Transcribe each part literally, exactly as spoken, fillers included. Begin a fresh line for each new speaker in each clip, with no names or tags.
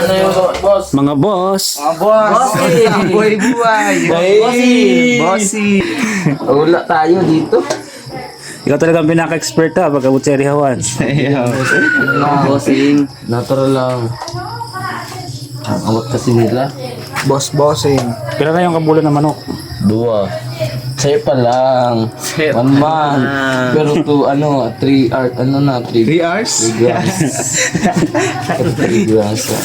Ano yung boss?
Mga boss.
Mga boss!
Bossy! Buhay buhay!
Bossy!
Bossy!
Wala tayo dito.
Ikaw talagang pinaka-expert ha, pagkabot sa Rihawan.
Ano lang, bossing? Natural lang. Ang awat kasi nila.
Boss bossing.
Kailan na yung kabulan ng manok?
Dua. Sa'yo pa lang. One month. Pero to ano, three art, ano na, three,
three hours?
three grams. three grams. ah.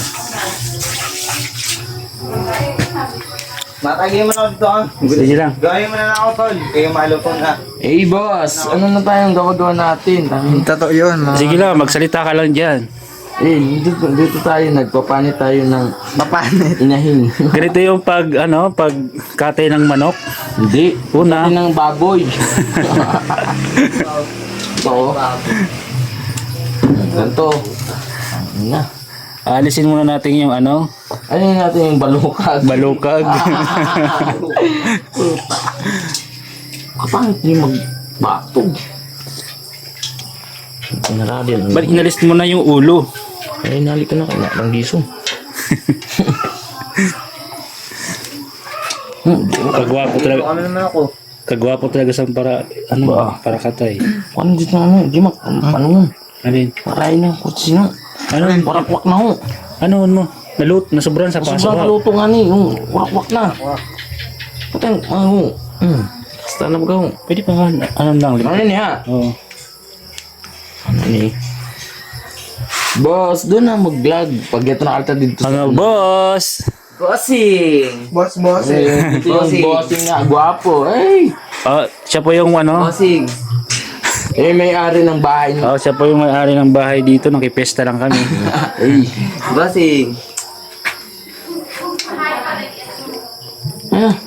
Matagay mo na dito ah.
Sige lang.
Gawin mo na na ako tol. Kayo maluto na.
Eh boss, ano na tayong gawagawa natin? Tangin.
Totoo yun mga.
Sige lang, magsalita ka lang dyan.
Eh, dito, dito tayo, nagpapanit tayo ng
Papanit.
inahin.
Ganito yung pag, ano, pag katay ng manok.
Hindi.
Una.
Pati ng baboy. Oo. Ganito. Ano na.
Alisin muna natin yung ano,
Ano yun natin yung balukag?
balukag.
Kapangit yung magbatog. Pinaradian.
Ba't inalis mo na yung ulo?
Ay, nali ka na kaya. Ang gisong. Hmm, di mo.
Kagwapo talaga.
Ano naman ako?
Kagwapo talaga sa para, ano ba, para katay.
Ano dito na ano? Di mo. Ano mo?
Alin?
Maray na. Kutsi na.
Ano?
Warakwak na ho.
Ano mo? Nalut, nasuburan sa paso.
Sobrang kaluto nga ni. Yung warakwak na. Patay. Ano? Hmm. Basta na ba
Pwede pa nga, ano lang, lima.
Ano niya?
Oo.
Ano ni? Boss, doon na mag-vlog. Pag ito nakalta dito
Mga boss!
Bossing! Boss bossing.
Eh, ito yung bossing nga, gwapo. Ay!
Oh, siya po yung ano,
Bossing!
Eh, may-ari ng bahay niya.
oh, siya po yung may-ari ng bahay dito, nakipesta lang kami.
Ay!
Bossing!
Ah,